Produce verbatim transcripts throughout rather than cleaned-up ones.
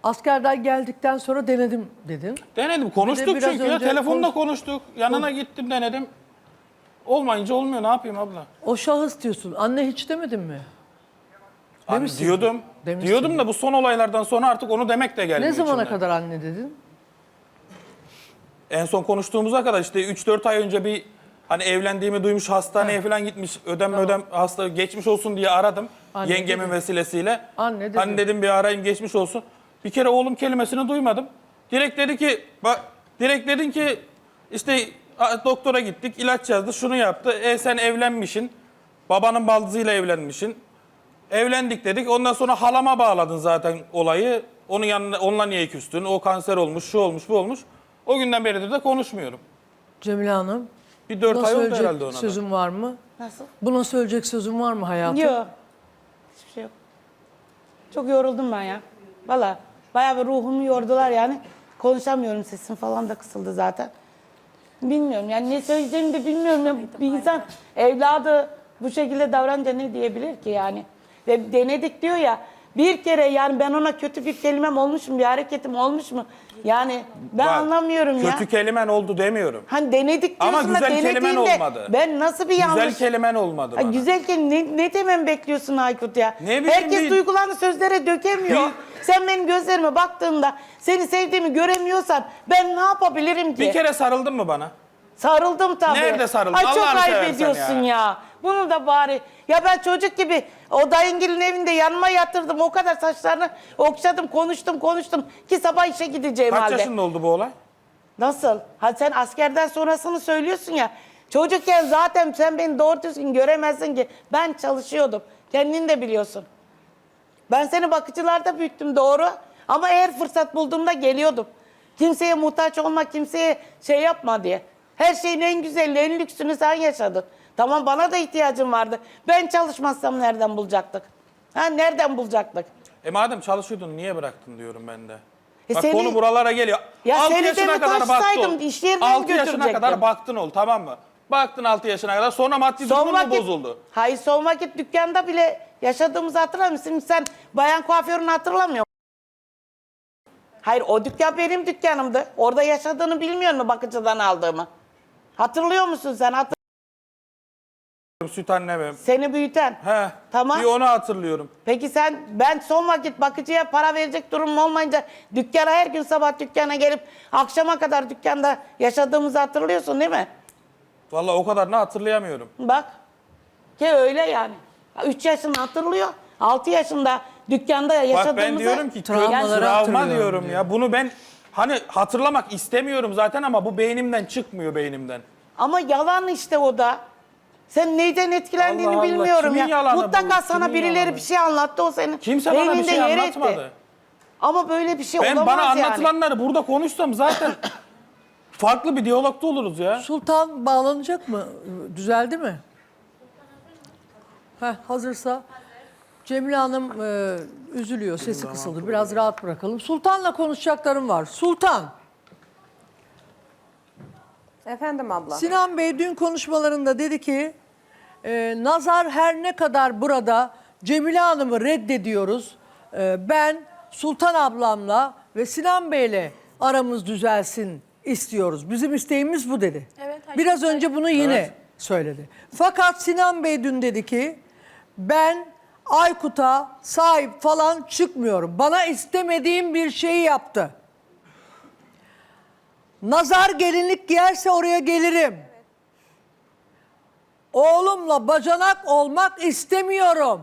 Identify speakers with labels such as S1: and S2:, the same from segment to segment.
S1: Askerden geldikten sonra denedim dedin.
S2: Denedim. Konuştuk
S1: biraz
S2: çünkü ya.
S1: önce
S2: Telefonda
S1: konuş-
S2: konuştuk. Yanına gittim denedim. Olmayınca olmuyor. Ne yapayım abla?
S1: O şahıs diyorsun. Anne hiç demedin mi?
S2: Abi
S1: Demişsin.
S2: diyordum.
S1: Demişsin.
S2: Diyordum da bu son olaylardan sonra artık onu demek de gelmiyor
S1: Ne zamana
S2: içimden.
S1: kadar anne dedin?
S2: En son konuştuğumuza kadar işte üç dört ay önce bir hani evlendiğimi duymuş, hastaneye falan gitmiş. Ödem ödem hasta geçmiş olsun diye aradım.
S1: Anne
S2: yengemin
S1: dedi.
S2: vesilesiyle.
S1: Anne dedi.
S2: Hani dedim bir arayayım geçmiş olsun. Bir kere oğlum kelimesini duymadım. Direkt dedi ki bak direkt dedin ki işte a, doktora gittik, ilaç yazdı, şunu yaptı. E sen evlenmişsin. Babanın baldızıyla evlenmişsin. Evlendik dedik. Ondan sonra halama bağladın zaten olayı. Onun yanına onunla niye küstün? O kanser olmuş, şu olmuş, bu olmuş. O günden beridir de konuşmuyorum.
S1: Cemile Hanım.
S2: Bir dört
S1: Buna
S2: ay oldu
S1: söyleyecek
S2: herhalde ona da.
S1: sözün var mı?
S3: Nasıl?
S1: Buna söyleyecek sözün var mı hayatım?
S3: Yok. Hiçbir şey yok. Çok yoruldum ben ya. Valla bayağı bir ruhumu yordular yani. Konuşamıyorum, sesim falan da kısıldı zaten. Bilmiyorum yani ne söyleyeceğimi de bilmiyorum. Ya. Bir insan evladı bu şekilde davranınca ne diyebilir ki yani? Ve denedik diyor ya. Bir kere yani ben ona kötü bir kelimem olmuş mu, bir hareketim olmuş mu? Yani ben
S2: Bak,
S3: anlamıyorum ya.
S2: Kötü kelimen oldu demiyorum.
S3: Hani denedik
S2: Ama
S3: diyorsun da
S2: güzel kelimen
S3: denediğinde
S2: olmadı.
S3: ben nasıl bir yanlış...
S2: Güzel kelimen olmadı
S3: Ha,
S2: bana.
S3: güzel kelime ne, ne demem bekliyorsun Aykut ya?
S2: Ne bileyim
S3: Herkes
S2: bir-
S3: duygularını sözlere dökemiyor.
S2: Bir-
S3: Sen benim gözlerime baktığında seni sevdiğimi göremiyorsan ben ne yapabilirim ki?
S2: Bir kere sarıldın mı bana?
S3: Sarıldım tabii.
S2: Nerede sarıldın?
S3: Ay çok
S2: Allah'ını
S3: ayıp
S2: seversen
S3: ediyorsun ya.
S2: ya.
S3: Bunu da bari. Ya ben çocuk gibi o dayıngilin evinde yanıma yatırdım. O kadar saçlarını okşadım, konuştum, konuştum ki sabah işe gideceğim
S2: Kaç
S3: halde.
S2: yaşında oldu bu olay?
S3: Nasıl? Ha sen askerden sonrasını söylüyorsun ya. Çocukken zaten sen beni doğru düzgün göremezsin ki. Ben çalışıyordum. Kendin de biliyorsun. Ben seni bakıcılarda büyüttüm doğru. Ama eğer fırsat bulduğumda geliyordum. Kimseye muhtaç olma, kimseye şey yapma diye. Her şeyin en güzelini, en lüksünü sen yaşadın. Tamam bana da ihtiyacım vardı. Ben çalışmazsam nereden bulacaktık? Ha nereden bulacaktık?
S2: E madem çalışıyordun niye bıraktın diyorum ben de.
S3: E
S2: Bak
S3: seni-
S2: konu buralara geliyor.
S3: Ya
S2: altı
S3: seni
S2: yaşına
S3: de mi
S2: kadar baktın
S3: taşsaydım,
S2: ol.
S3: iş yerine mi
S2: altı yaşına
S3: götürecektim?
S2: kadar baktın ol tamam mı? Baktın altı yaşına kadar sonra maddi
S3: Son
S2: durumun mu
S3: vakit,
S2: bozuldu?
S3: hayır son vakit dükkanda bile yaşadığımızı hatırlamıyor musun? Sen bayan kuaförünü hatırlamıyor musun? Hayır o dükkan benim dükkanımdı. Orada yaşadığını bilmiyor musun bakıcıdan aldığımı? Hatırlıyor musun sen? Hatır
S2: Süt annemim.
S3: Seni büyüten.
S2: He.
S3: Tamam.
S2: Bir onu hatırlıyorum.
S3: Peki sen ben son vakit bakıcıya para verecek durumum olmayınca dükkana her gün sabah dükkana gelip akşama kadar dükkanda yaşadığımızı hatırlıyorsun değil mi?
S2: Vallahi o kadarını hatırlayamıyorum.
S3: Bak. Ki öyle yani. üç yaşında hatırlıyor. altı yaşında dükkanda yaşadığımızı...
S2: Bak ben diyorum ki
S1: Travmaları
S2: travma
S1: hatırlıyorum
S2: diyorum
S1: diyor.
S2: ya. Bunu ben hani hatırlamak istemiyorum zaten ama bu beynimden çıkmıyor beynimden.
S3: Ama yalan işte o da. Sen neyden etkilendiğini
S2: Allah Allah,
S3: bilmiyorum
S2: kimin
S3: ya.
S2: yalanı
S3: Mutlaka
S2: bu?
S3: sana
S2: Kimin
S3: birileri
S2: yalanı?
S3: bir şey anlattı o senin
S2: Kimse bana bir
S3: beyninde
S2: şey
S3: yer
S2: anlatmadı.
S3: etti. Ama böyle bir şey
S2: Ben
S3: olamaz
S2: bana
S3: yani.
S2: anlatılanları burada konuşsam zaten farklı bir diyalogda oluruz ya.
S1: Sultan bağlanacak mı? Düzeldi mi? Heh, hazırsa. Cemile Hanım e, üzülüyor, sesi kısıldı. Biraz rahat bırakalım. Sultan'la konuşacaklarım var. Sultan,
S4: Efendim abla.
S1: Sinan Bey dün konuşmalarında dedi ki e, Nazar her ne kadar burada Cemile Hanım'ı reddediyoruz. E, ben Sultan ablamla ve Sinan Bey'le aramız düzelsin istiyoruz. Bizim isteğimiz bu dedi.
S5: Evet,
S1: Biraz önce bunu yine
S2: Evet.
S1: söyledi. Fakat Sinan Bey dün dedi ki ben Aykut'a sahip falan çıkmıyorum. Bana istemediğim bir şeyi yaptı. Nazar gelinlik giyerse oraya gelirim. Oğlumla bacanak olmak istemiyorum.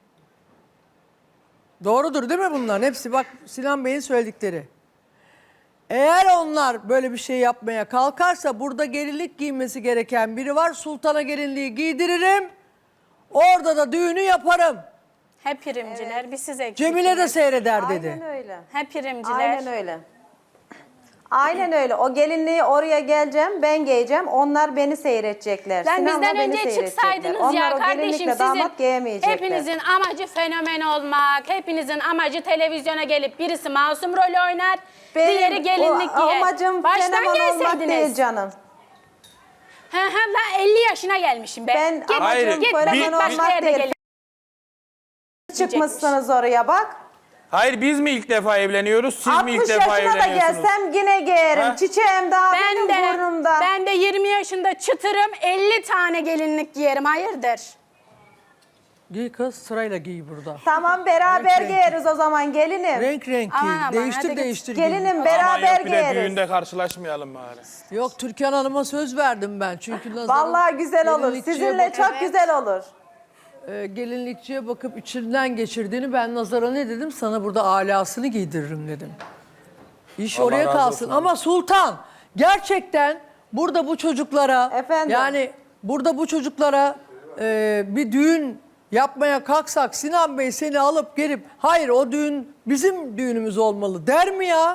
S1: Doğrudur değil mi bunların hepsi? Bak Sinan Bey'in söyledikleri. Eğer onlar böyle bir şey yapmaya kalkarsa burada gelinlik giymesi gereken biri var. Sultan'a gelinliği giydiririm. Orada da düğünü yaparım.
S5: Hep primciler, bir siz eksik.
S1: Cemile de seyreder dedi.
S4: Aynen öyle.
S5: Hep primciler.
S4: Aynen öyle. Aynen öyle. O gelinliği oraya geleceğim, ben giyeceğim. Onlar beni seyredecekler.
S5: Lan
S4: Sinan'la
S5: bizden
S4: beni
S5: önce
S4: seyredecekler.
S5: çıksaydınız
S4: Onlar
S5: ya
S4: o
S5: kardeşim
S4: gelinlikle
S5: sizin
S4: damat giyemeyecekler.
S5: hepinizin amacı fenomen olmak, hepinizin amacı televizyona gelip birisi masum rol oynar,
S4: Benim
S5: diğeri gelinlik
S4: o
S5: giyer.
S4: amacım
S5: Baştan
S4: fenomen olmak
S5: gelseydiniz.
S4: değil canım.
S5: He he la elli yaşına gelmişim ben.
S4: Ben
S5: git,
S2: Hayır,
S4: amacım
S5: git,
S4: fenomen
S5: git başka
S4: olmak
S5: yerde
S4: değil.
S5: gelin.
S4: Çıkmışsınız oraya bak.
S2: Hayır biz mi ilk defa evleniyoruz, siz mi ilk
S4: altmış
S2: defa
S4: yaşına da
S2: evleniyorsunuz?
S4: gelsem yine giyerim.
S2: Ha?
S4: Çiçeğim daha
S5: Ben
S4: benim
S5: de,
S4: burnumda.
S5: ben de yirmi yaşında çıtırım, elli tane gelinlik giyerim. Hayırdır?
S1: Giy kız, sırayla giy burada.
S4: Tamam beraber
S1: Renk renk.
S4: giyeriz o zaman gelinim.
S1: Renk renk giy.
S5: Aman aman,
S1: değiştir
S5: hadi git.
S1: değiştir giy.
S4: Gelinim
S2: Aman
S4: beraber
S2: yok bir de
S4: giyeriz.
S2: düğünde karşılaşmayalım bari.
S1: Yok, Türkan Hanım'a söz verdim ben. Çünkü Nazar'ın
S4: Vallahi güzel olur.
S1: gelinlikçiye
S4: Sizinle
S1: bakıp-
S4: çok güzel olur.
S1: e, gelinlikçiye bakıp içinden geçirdiğini, ben Nazar'a ne dedim? Sana burada alasını giydiririm dedim. İş
S2: Allah
S1: oraya
S2: razı
S1: kalsın.
S2: olsun
S1: Ama Sultan, gerçekten burada bu çocuklara,
S4: Efendim?
S1: yani burada bu çocuklara e, bir düğün yapmaya kalksak, Sinan Bey seni alıp gelip hayır o düğün bizim düğünümüz olmalı der mi ya?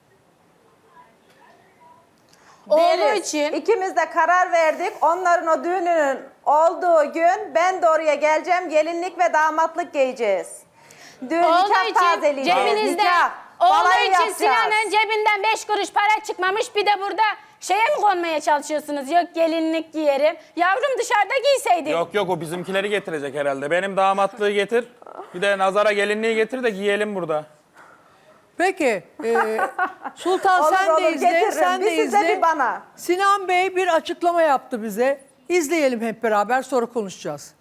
S5: Oğlu
S4: Deriz.
S5: için
S4: İkimiz de karar verdik. Onların o düğününün olduğu gün ben de oraya geleceğim. Gelinlik ve damatlık giyeceğiz. Düğün
S5: Oğlu
S4: nikah
S5: için
S4: tazeleyeceğiz.
S5: cebinizde,
S4: Nikah.
S5: oğlu
S4: Balayı
S5: için
S4: yapacağız.
S5: Sinan'ın cebinden beş kuruş para çıkmamış, bir de burada şeye mi konmaya çalışıyorsunuz? Yok gelinlik giyerim. Yavrum dışarıda giyseydin.
S2: Yok yok o bizimkileri getirecek herhalde. Benim damatlığı getir. Bir de Nazar'a gelinliği getir de giyelim burada.
S1: Peki, e, Sultan
S4: Olur,
S1: sen de
S4: olur,
S1: izle,
S4: getiririm.
S1: sen
S4: Bir
S1: de
S4: size,
S1: izle.
S4: bir bana.
S1: Sinan Bey bir açıklama yaptı bize. İzleyelim hep beraber, sonra konuşacağız.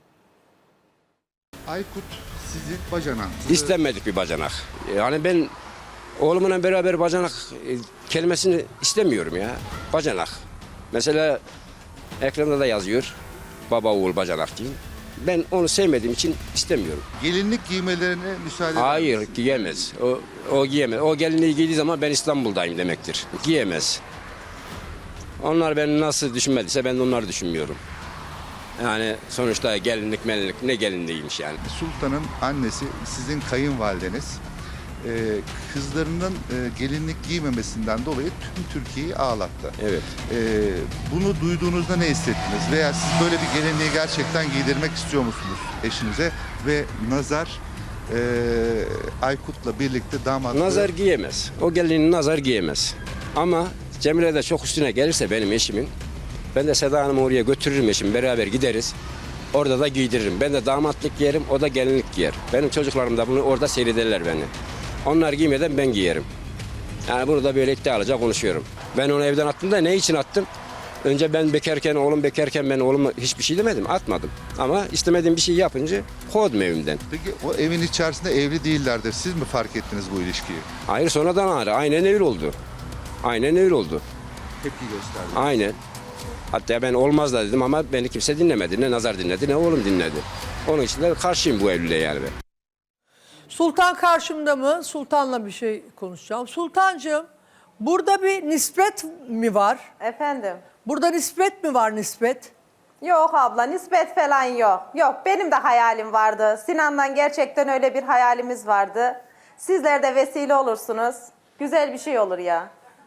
S6: Aykut sizin bacanağınız.
S7: İstenmedik bir bacanak. Yani ben oğlumla beraber bacanak e, kelimesini istemiyorum ya. Bacanak. Mesela ekranda da yazıyor. Baba oğul bacanak diyeyim. Ben onu sevmediğim için istemiyorum.
S6: Gelinlik giymelerine müsaade eder
S7: Hayır
S6: misiniz?
S7: giyemez. O, o giyemez. O gelinliği giydiği zaman ben İstanbul'dayım demektir. Giyemez. Onlar beni nasıl düşünmediyse ben de onları düşünmüyorum. Yani sonuçta gelinlik melinlik ne gelinliğiymiş yani.
S6: Sultan'ın annesi sizin kayınvalideniz. Ee, kızlarının e, gelinlik giymemesinden dolayı tüm Türkiye'yi ağlattı.
S7: Evet.
S6: Ee, bunu duyduğunuzda ne hissettiniz? Veya siz böyle bir gelinliği gerçekten giydirmek istiyor musunuz eşinize? Ve Nazar e, Aykut'la birlikte damatlığı...
S7: Nazar giyemez. O gelinliğini nazar giyemez. Ama Cemile de çok üstüne gelirse benim eşimin, ben de Seda Hanım'ı oraya götürürüm eşim, beraber gideriz. Orada da giydiririm. Ben de damatlık giyerim, o da gelinlik giyer. Benim çocuklarım da bunu orada seyrederler beni. Onlar giymeden ben giyerim. Yani bunu da böyle iddialıca konuşuyorum. Ben onu evden attım da ne için attım? Önce ben bekarken, oğlum bekarken ben oğluma hiçbir şey demedim, atmadım. Ama istemediğim bir şey yapınca kovdum evimden.
S6: Peki o evin içerisinde evli değillerdir. Siz mi fark ettiniz bu ilişkiyi?
S7: Hayır sonradan ağrı. Aynen öyle oldu. Aynen öyle oldu.
S6: Tepki gösterdi.
S7: Aynen. Hatta ben olmaz da dedim ama beni kimse dinlemedi. Ne Nazar dinledi ne oğlum dinledi. Onun için de karşıyım bu evliliğe yani ben.
S1: Sultan karşımda mı? Sultan'la bir şey konuşacağım. Sultancığım, burada bir nispet mi var?
S4: Efendim.
S1: Burada nispet mi var, nispet?
S4: Yok abla, nispet falan yok. Yok, benim de hayalim vardı. Sinan'dan gerçekten öyle bir hayalimiz vardı. Sizler de vesile olursunuz. Güzel bir şey olur ya.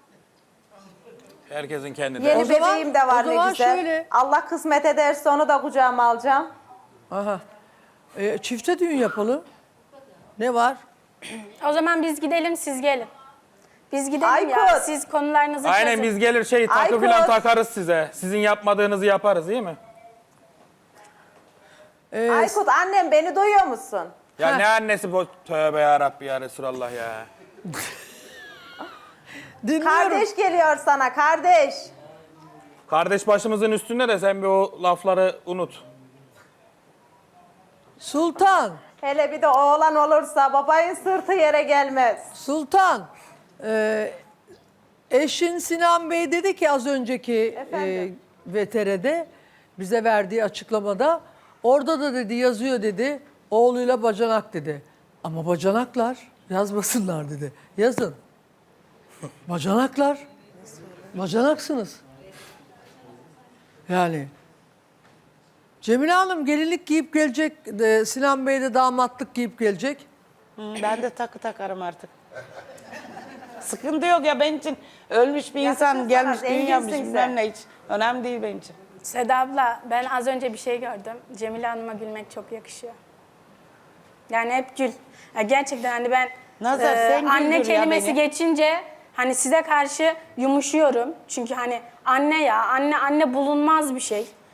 S2: Herkesin kendi
S4: Yeni
S1: O zaman-
S4: bebeğim de var
S1: o
S4: ne
S1: zaman
S4: güzel.
S1: şöyle.
S4: Allah kısmet ederse onu da kucağıma alacağım.
S1: Aha. E, çifte düğün yapalım. Ne var?
S5: O zaman biz gidelim, siz gelin. Biz gidelim ya,
S4: Aykut.
S5: siz konularınızı
S2: Aynen
S5: çözün.
S2: biz gelir şey takı
S4: Aykut.
S2: falan takarız size. Sizin yapmadığınızı yaparız değil mi?
S1: E,
S4: Aykut annem beni duyuyor musun?
S2: Ya
S1: Heh.
S2: ne annesi bu? Tövbe yarabbi ya Resulallah ya.
S1: dinliyorum.
S4: Kardeş geliyor sana, kardeş.
S2: Kardeş başımızın üstünde de sen bir o lafları unut.
S1: Sultan,
S4: Hele bir de oğlan olursa babayın sırtı yere gelmez.
S1: Sultan. e, eşin Sinan Bey dedi ki az önceki e,
S4: Efendim?
S1: V T R'de bize verdiği açıklamada, orada da dedi yazıyor dedi, oğluyla bacanak dedi. Ama bacanaklar yazmasınlar dedi. Yazın. Bacanaklar. Bacanaksınız. Yani. Cemile Hanım gelinlik giyip gelecek, de Sinan Bey de damatlık giyip gelecek.
S3: Hı, ben de takı takarım artık. Sıkıntı yok ya benim için ölmüş bir insan
S4: Yakışır
S3: gelmiş
S4: sana,
S3: düğün yapmış
S4: zenginsin
S3: bilmem
S4: sen.
S3: ne hiç. Önemli değil benim için.
S5: Seda abla, ben az önce bir şey gördüm. Cemile Hanım'a gülmek çok yakışıyor. Yani hep gül. Ya gerçekten hani ben
S3: Nazar, sen
S5: anne
S3: güldür ya
S5: kelimesi
S3: beni.
S5: geçince hani size karşı yumuşuyorum. Çünkü hani anne ya, anne anne bulunmaz bir şey.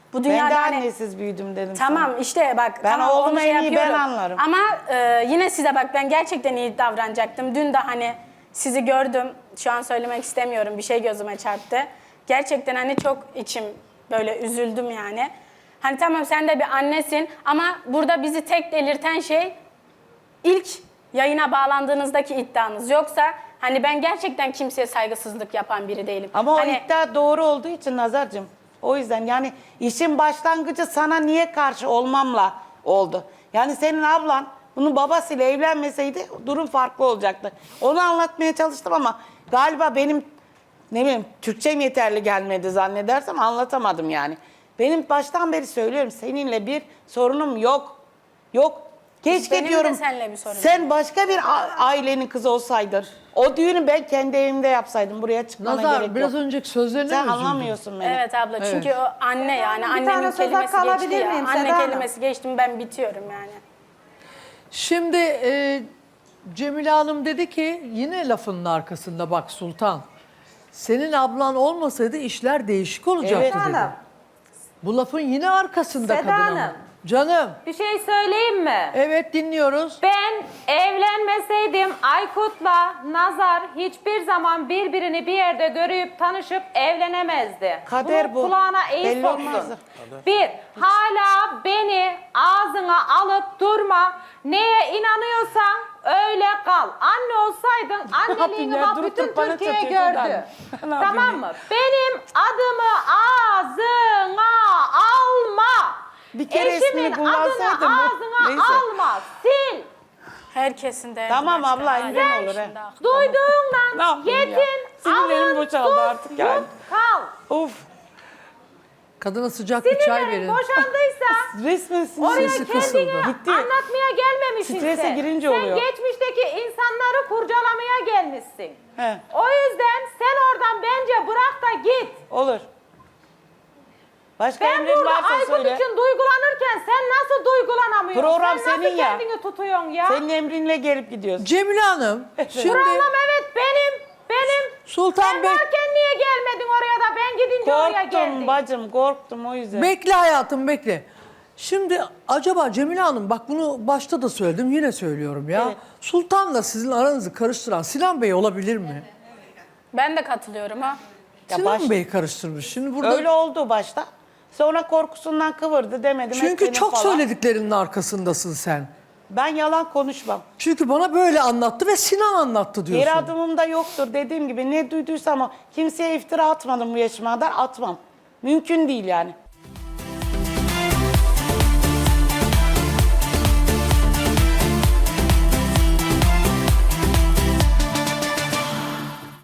S5: Bu
S3: Ben
S5: dünyada
S3: de
S5: hani-
S3: annesiz büyüdüm dedim sana.
S5: Tamam işte bak.
S3: Ben
S5: tamam,
S3: oğlumu
S5: onu şey
S3: en iyi ben
S5: yapıyorum.
S3: anlarım.
S5: Ama e, yine size bak ben gerçekten iyi davranacaktım. Dün de hani sizi gördüm. Şu an söylemek istemiyorum. Bir şey gözüme çarptı. Gerçekten hani çok içim böyle üzüldüm yani. Hani tamam sen de bir annesin ama burada bizi tek delirten şey ilk yayına bağlandığınızdaki iddianız. Yoksa hani ben gerçekten kimseye saygısızlık yapan biri değilim.
S3: Ama o
S5: hani,
S3: iddia doğru olduğu için Nazar'cığım. O yüzden yani işin başlangıcı sana niye karşı olmamla oldu. Yani senin ablan bunun babasıyla evlenmeseydi durum farklı olacaktı. Onu anlatmaya çalıştım ama galiba benim ne bileyim Türkçem yeterli gelmedi zannedersem anlatamadım yani. Benim baştan beri söylüyorum seninle bir sorunum yok. Yok. Keşke
S5: Benim de
S3: diyorum
S5: seninle bir sorunum
S3: sen başka bir a- ailenin kızı olsaydın. O düğünü ben kendi evimde yapsaydım. Buraya çıkmana
S1: Nazar
S3: gerek
S1: biraz
S3: yok.
S1: önceki sözlerine
S3: Sen
S1: mi üzüldün?
S3: anlamıyorsun beni.
S5: Evet abla çünkü o anne yani
S4: Bir
S5: annemin
S4: tane söz
S5: kelimesi
S4: hakkı
S5: geçti
S4: alabilir
S5: ya.
S4: miyim
S5: Anne
S4: Seda Hanım?
S5: kelimesi geçti mi ben bitiyorum yani.
S1: Şimdi e, Cemile Hanım dedi ki yine lafının arkasında bak Sultan. Senin ablan olmasaydı işler değişik olacaktı
S3: Evet.
S1: dedi.
S4: Hanım.
S1: Bu lafın yine arkasında
S4: Seda
S1: kadının.
S4: Hanım.
S1: Canım.
S8: Bir şey söyleyeyim mi?
S1: Evet dinliyoruz.
S8: Ben evlenmeseydim Aykut'la Nazar hiçbir zaman birbirini bir yerde görüp tanışıp evlenemezdi.
S3: Kader
S8: Bunu
S3: bu.
S8: kulağına iyi
S3: Belli
S8: soksun.
S3: olmazdı.
S8: Bir, hala beni ağzına alıp durma. Neye inanıyorsan öyle kal. Anne olsaydın anneliğini
S3: ya?
S8: bak
S3: Durup
S8: bütün
S3: durup bana
S8: Türkiye
S3: çatıyorsun
S8: gördü.
S3: ben. Ne
S8: Tamam
S3: yapayım
S8: mı? Benim adımı ağzına alma.
S3: Bir kere
S8: Eşimin
S3: ismini
S8: adını
S3: kullansaydım bu-
S8: ağzına
S3: Neyse.
S8: alma. Sil.
S5: Herkesin de
S3: Tamam
S5: başka
S3: abla,
S5: hali.
S3: emrin olur, he.
S5: Şimdi aklıma-
S3: Ne
S8: Duyduğundan
S3: yapayım ya?
S8: yetin,
S3: Sinirlerim
S8: alın,
S3: boşaldı
S8: tut,
S3: artık yani.
S8: tut, kal.
S3: Of.
S1: Kadına sıcak bir çay
S8: Sinirlerin
S1: verin.
S8: boşandıysa
S3: Resmen
S8: oraya
S1: Sesi
S8: kendini
S1: kısıldı.
S3: Gitti.
S8: anlatmaya gelmemişsin
S3: Strese
S8: sen.
S3: girince
S8: sen
S3: oluyor.
S8: geçmişteki insanları kurcalamaya gelmişsin.
S3: He.
S8: O yüzden sen oradan bence bırak da git.
S3: Olur. Başka
S8: Ben
S3: emrin
S8: burada
S3: varsa
S8: Aykut
S3: söyle.
S8: için duygulanırken sen nasıl duygulanamıyorsun?
S3: Program
S8: sen nasıl
S3: senin ya.
S8: kendini tutuyorsun ya?
S3: Senin emrinle gelip gidiyorsun.
S1: Cemile Hanım şimdi
S8: Program evet benim, benim.
S1: Sultan
S8: Sen
S1: Bey
S8: varken niye gelmedin oraya da ben gidince oraya geldin?
S3: Korktum bacım, korktum o yüzden.
S1: bekle hayatım bekle. Şimdi acaba Cemile Hanım bak bunu başta da söyledim yine söylüyorum ya.
S3: Evet.
S1: Sultan'la sizin aranızı karıştıran Sinan Bey olabilir mi?
S5: Ben de katılıyorum ha.
S3: Ya
S1: Sinan
S3: baş-
S1: Bey karıştırmış. Şimdi burada
S3: Öyle oldu başta. Sonra korkusundan kıvırdı demedim.
S1: çünkü
S3: etmedim
S1: çok
S3: falan.
S1: söylediklerinin arkasındasın sen.
S3: Ben yalan konuşmam.
S1: Çünkü bana böyle anlattı ve Sinan anlattı diyorsun.
S3: Geri adımım da yoktur dediğim gibi ne duyduysam o. Kimseye iftira atmadım bu yaşıma kadar atmam. Mümkün değil yani.